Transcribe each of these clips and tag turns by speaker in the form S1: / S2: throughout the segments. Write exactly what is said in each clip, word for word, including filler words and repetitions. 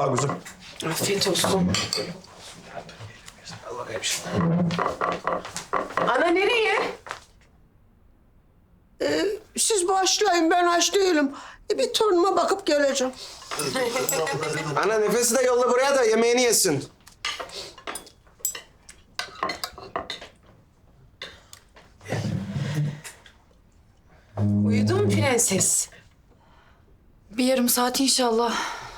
S1: Al kızım.
S2: Afiyet olsun.
S1: Al bakayım şimdi.
S2: Ana nereye?
S3: Ee, siz başlayın, ben aç değilim. E, bir torunuma bakıp geleceğim.
S1: Ana nefesi de yolla buraya da yemeğini yesin.
S2: Uyudu mu prenses?
S4: Bir yarım saat inşallah.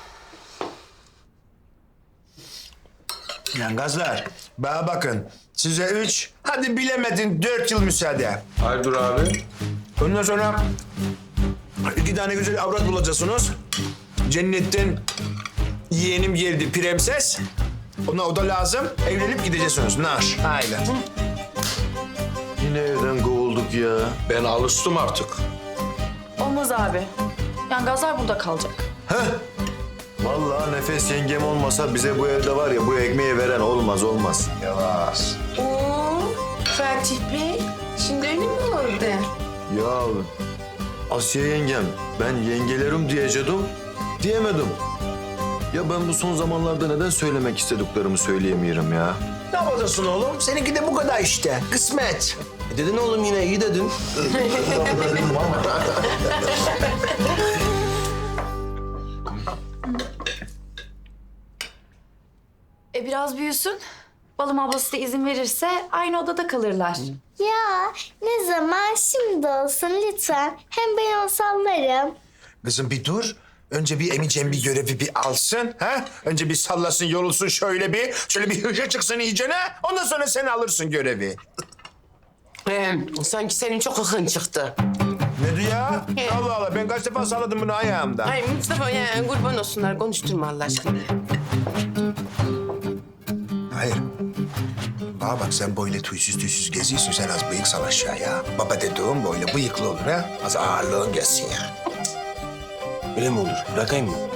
S5: Lan gazlar, bana bakın. Size üç, hadi bilemedin dört yıl müsaade.
S1: Hayırdır abi?
S5: Ondan sonra iki tane güzel avrat bulacaksınız. Cennetten yeğenim geldi prenses. Ona o da lazım. Evlenip gideceksiniz. Nar. Haydi.
S6: Yine evden kovulduk ya.
S1: Ben alıştım artık.
S4: Olmaz abi. Yani gazlar burada kalacak.
S6: Vallahi Nefes yengem olmasa bize bu evde var ya bu ekmeği veren olmaz olmaz.
S5: Yavaş.
S2: Oo, Fatih Bey. Şimdi öyle mi oldu?
S6: Ya Asiye yengem ben yengelerim diyecektim diyemedim. Ya ben bu son zamanlarda neden söylemek istediklerimi söyleyemiyorum ya.
S5: Ne yapacaksın oğlum? Seninki de bu kadar işte. Kısmet.
S1: E dedin oğlum yine iyi dedin.
S4: E biraz büyüsün. Balım ablası da izin verirse aynı odada kalırlar.
S7: Ya ne zaman şimdi olsun lütfen. Hem ben onu sallarım.
S5: Kızım bir dur. Önce bir Emice'm bir görevi bir alsın. Ha? Önce bir sallasın, yorulsun şöyle bir. Şöyle bir hışa çıksın iyicene. Ondan sonra sen alırsın görevi.
S2: Ee, sanki senin çok hıkın çıktı.
S5: Ne diyor ya? Allah Allah, ben kaç defa salladım bunu ayağımda.
S2: Ay Mustafa ya kurban olsunlar konuşturma Allah aşkına.
S5: Hayır. Bana bak sen böyle tüysüz tüysüz geziyorsun. Sen az bıyık sal aşağıya. Baba dediğim böyle bıyıklı olur ha. Az ağırlığın gelsin ya.
S1: Öyle mi olur? Bırakayım mı?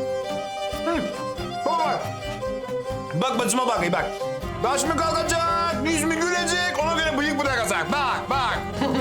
S5: Baba bak. Bak bacıma bak iyi bak. Baş mı kalkacak, yüz mü gülecek, ona göre bıyık bırakacak. Bak, bak.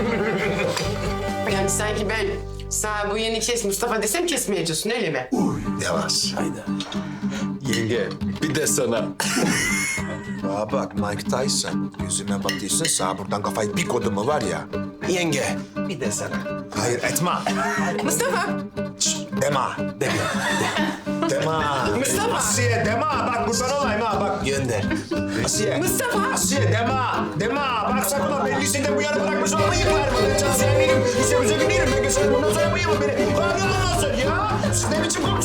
S2: Yani sanki ben sana bu yeni kes Mustafa desem kesmeyeceksin öyle mi?
S5: Yavaş.
S1: Haydi. Yenge bir de sana.
S5: Bana bak Mike Tyson. Yüzüme bakıyorsun sağ buradan kafayı bir kodu mu var ya.
S1: Yenge bir de sana.
S5: Hayır etme.
S2: Mustafa.
S5: Şşt, dema. Deme. Dema.
S2: Mustafa.
S5: Asiye dema. Bak kurban olayım ha bak.
S1: Gönder.
S5: Asiye.
S2: Mustafa.
S5: Asiye dema. Dema. Bak sakın ha ben lisede bu yana bırakmış olan bıyıklar mı? Ben çalışan değilim. Lise müze gidiyorum. Ben geçerim bundan sonra bıyığımı beni. Bana ne olsun ya? Siz ne biçim konuşuyorsunuz?